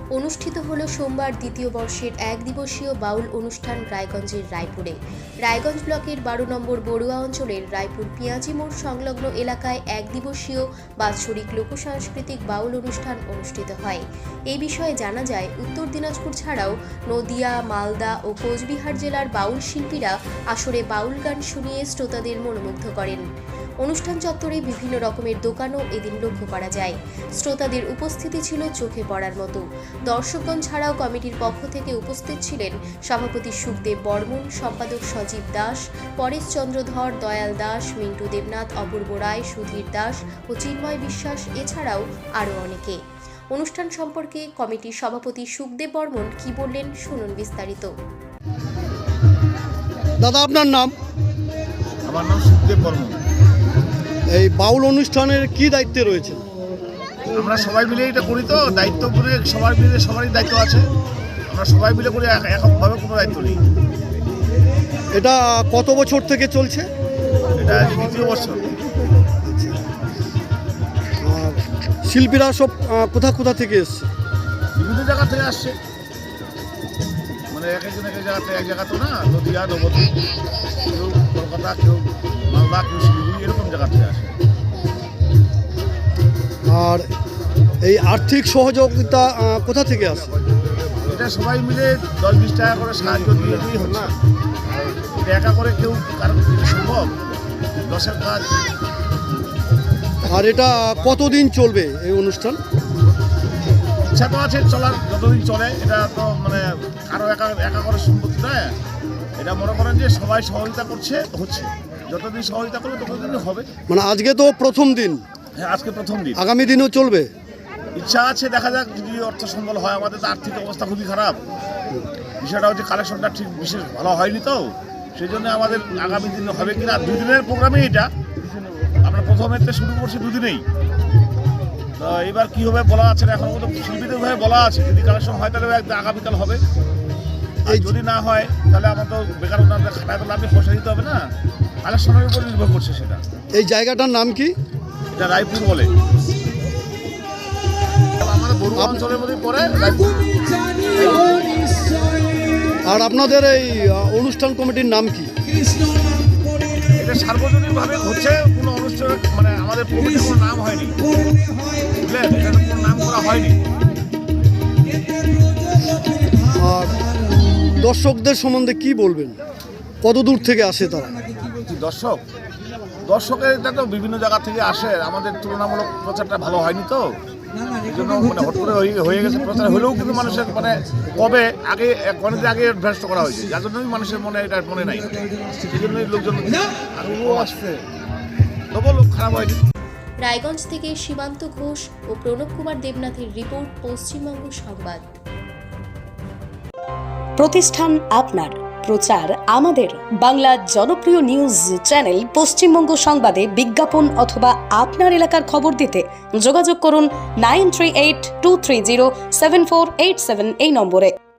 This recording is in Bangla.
অনুষ্ঠিত হল সোমবার দ্বিতীয় বর্ষের এক দিবসীয় বাউল অনুষ্ঠান রায়গঞ্জের রায়পুরে। রায়গঞ্জ ব্লকের 12 নম্বর বড়ুয়া অঞ্চলের রায়পুর পিঁয়াজি মোড় সংলগ্ন এলাকায় এক দিবসীয় বাৎসরিক লোকসাংস্কৃতিক বাউল অনুষ্ঠান অনুষ্ঠিত হয়। এই বিষয়ে জানা যায়, উত্তর দিনাজপুর ছাড়াও নদিয়া, মালদা ও কোচবিহার জেলার বাউল শিল্পীরা আসরে বাউল গান শুনিয়ে শ্রোতাদের মনোমুগ্ধ করেন। অনুষ্ঠান চত্বরে বিভিন্ন রকমের দোকানও এদিন লক্ষ্য করা যায়। শ্রোতাদের উপস্থিতি ছিল চোখে পড়ার মতো। দর্শকগণ ছাড়াও কমিটির পক্ষ থেকে উপস্থিত ছিলেন সভাপতি সুখদেব বর্মন, সম্পাদক সজীব দাস, পরেশ চন্দ্র ধর, দয়াল দাস, মিন্টু দেবনাথ, অপূর্ব রায়, সুধীর দাস ও চিন্ময় বিশ্বাস, এছাড়াও আরও অনেকে। অনুষ্ঠান সম্পর্কে কমিটির সভাপতি সুখদেব বর্মন কি বললেন, শুনুন বিস্তারিত। দাদা, আপনার নাম? আমার নাম সুখদেব বর্মন। এই বাউল অনুষ্ঠানের কি দায়িত্বে রয়েছে? আমরা সবাই মিলে এটা করি, তো দায়িত্ব করে সবার মিলে সবারই দায়িত্ব আছে। আমরা সবাই মিলে করি, এককভাবে কোনো দায়িত্ব নেই। এটা কত বছর থেকে চলছে? এটা দ্বিতীয় বছর। আর শিল্পীরা সব কোথা থেকে এসছে? বিভিন্ন জায়গা থেকে আসছে, মানে এক একজন এক জায়গাতে, এক জায়গা তো না, নদিয়া, নবদ্বীপ, কেউ কলকাতা, কেউ মালদা, কেউ শিলিগুড়ি, এরকম জায়গা থেকে আসে। আর এই আর্থিক সহযোগিতা কোথা থেকে আসে? এটা সবাই মিলে 10-20 টাকা করে সাহায্য দিয়ে হচ্ছে। এটা একা করে কেউ কারণ সম্ভব? 10-এর কাজ। আর এটা কতদিন চলবে এই অনুষ্ঠান? ইচ্ছা তো আছে চলার, যতদিন চলে। এটা তো মানে কারো একা করে সম্পত্তি নয়। এটা মনে করেন যে সবাই সহযোগিতা করছে, হচ্ছে। যতদিন সহযোগিতা করবে ততদিনই হবে। মানে আজকে তো প্রথম দিন। হ্যাঁ, আজকে প্রথম দিন। আগামী দিনও চলবে? ইচ্ছা আছে, দেখা যাক যদি অর্থ সম্বল হয়। আমাদের তো আর্থিক অবস্থা খুবই খারাপ। বিষয়টা হচ্ছে কালেকশনটা ঠিক বিশেষ ভালো হয়নি, তো সেই জন্য আমাদের আগামী দিনে হবে কিনা। 2 দিনের প্রোগ্রামে এটা আমরা প্রথমেতে শুরু করছি, 2 দিনেই। তো এবার কী হবে বলা আছে না, এখন মতো শিল্পীদের ভাবে বলা আছে। যদি কালেকশন হয় তাহলে একদম আগামীকাল হবে। আর যদি না হয় তাহলে আমার তো বেকার ওনাদের খাটায় তো লাভে পয়সা দিতে হবে না, কালেকশনের উপর নির্ভর করছে সেটা। এই জায়গাটার নাম কি? এটা রায়পুর বলে, আমাদের বড়ুয়া অঞ্চলের মধ্যে পড়ে রায়পুর। আর আপনাদের এই অনুষ্ঠান কমিটির নাম কি? এটা সার্বজনীনভাবে হচ্ছে, কোনো অনুষ্ঠান মানে আমাদের কমিটির কোনো নাম হয়নি, বুঝলেন? এটা কোনো নাম করা হয়নি। আর দর্শকদের সম্বন্ধে কি বলবেন? কত দূর থেকে আসে তারা? দর্শকের এটা তো বিভিন্ন জায়গা থেকে আসে। আমাদের তুলনামূলক প্রচারটা ভালো হয়নি, তো এই জন্য মানে হট করে হয়ে গেছে। প্রচার হলেও কিন্তু মানুষের মানে কবে আগে অনেকদিন আগে অভ্যস্ত করা হয়েছে, যার জন্যই মানুষের মনে এটা মনে নাই। সেই জন্যই লোকজন আসছে, তবুও লোক খারাপ হয়নি। রায়গঞ্জ থেকে সীমান্ত ঘোষ ও প্রণব কুমার দেবনাথের রিপোর্ট, পশ্চিমবঙ্গ সংবাদ। প্রতিষ্ঠান আপনার, প্রচার আমাদের। বাংলা জনপ্রিয় নিউজ চ্যানেল পশ্চিমবঙ্গ সংবাদে বিজ্ঞাপন অথবা আপনার এলাকার খবর দিতে যোগাযোগ করুন 9382307487 এই নম্বরে।